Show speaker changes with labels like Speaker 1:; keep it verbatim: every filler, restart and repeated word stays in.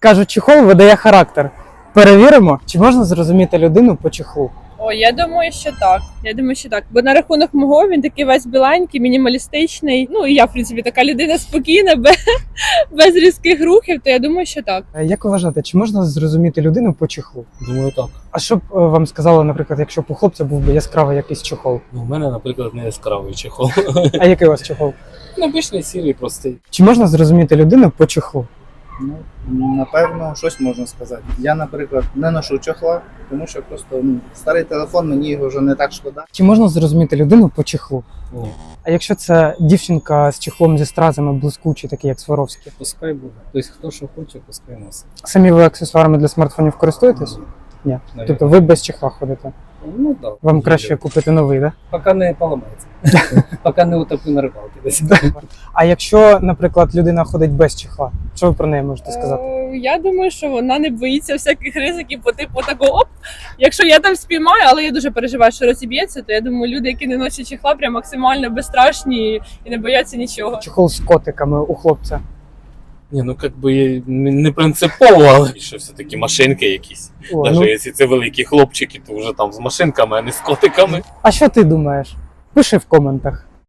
Speaker 1: Кажуть, чехол видає характер. Перевіримо, чи можна зрозуміти людину по чехлу.
Speaker 2: О, я думаю, що так. Я думаю, що так. Бо на рахунок мого він такий весь біленький, мінімалістичний. Ну і я, в принципі, така людина спокійна, без, без різких рухів, то я думаю, що так.
Speaker 1: Е, Як ви вважаєте, чи можна зрозуміти людину по чехлу?
Speaker 3: Думаю, так.
Speaker 1: А що б е, вам сказали, наприклад, якщо б у хлопця був би яскравий якийсь чехол?
Speaker 3: Ну, у мене, наприклад, не яскравий чехол.
Speaker 1: А який у вас чехол?
Speaker 3: Обичний сірий, простий.
Speaker 1: Чи можна зрозуміти людину по чехлу?
Speaker 4: Ну, напевно, щось можна сказати. Я, наприклад, не ношу чохла, тому що просто ну, старий телефон, мені його вже не так шкода.
Speaker 1: Чи можна зрозуміти людину по чехлу?
Speaker 3: Ні.
Speaker 1: А якщо це дівчинка з чехлом зі стразами блискучий, такий як Сваровський?
Speaker 3: Пускай буде. Тобто, хто що хоче, пускай носить.
Speaker 1: Самі ви аксесуарами для смартфонів користуєтесь? Ні.
Speaker 3: Навіть.
Speaker 1: Тобто ви без чехла ходите?
Speaker 3: Ну так.
Speaker 1: Вам краще купити новий, так?
Speaker 3: Поки не поламається. Поки не утоплю на рибалки десь.
Speaker 1: А якщо, наприклад, людина ходить без чехла, що ви про неї можете сказати?
Speaker 2: Е, Я думаю, що вона не боїться всяких ризиків по типу такого оп. Якщо я там спіймаю, але я дуже переживаю, що розіб'ється, то я думаю, люди, які не носять чехла, прям максимально безстрашні і не бояться нічого.
Speaker 1: Чехол з котиками у хлопця.
Speaker 3: Ні, ну як би не принципово, але що все-таки машинки якісь.
Speaker 1: О,
Speaker 3: Навіть
Speaker 1: ну,
Speaker 3: якщо це великі хлопчики, то вже там з машинками, а не з котиками.
Speaker 1: а що ти думаєш? Пиши в коментах.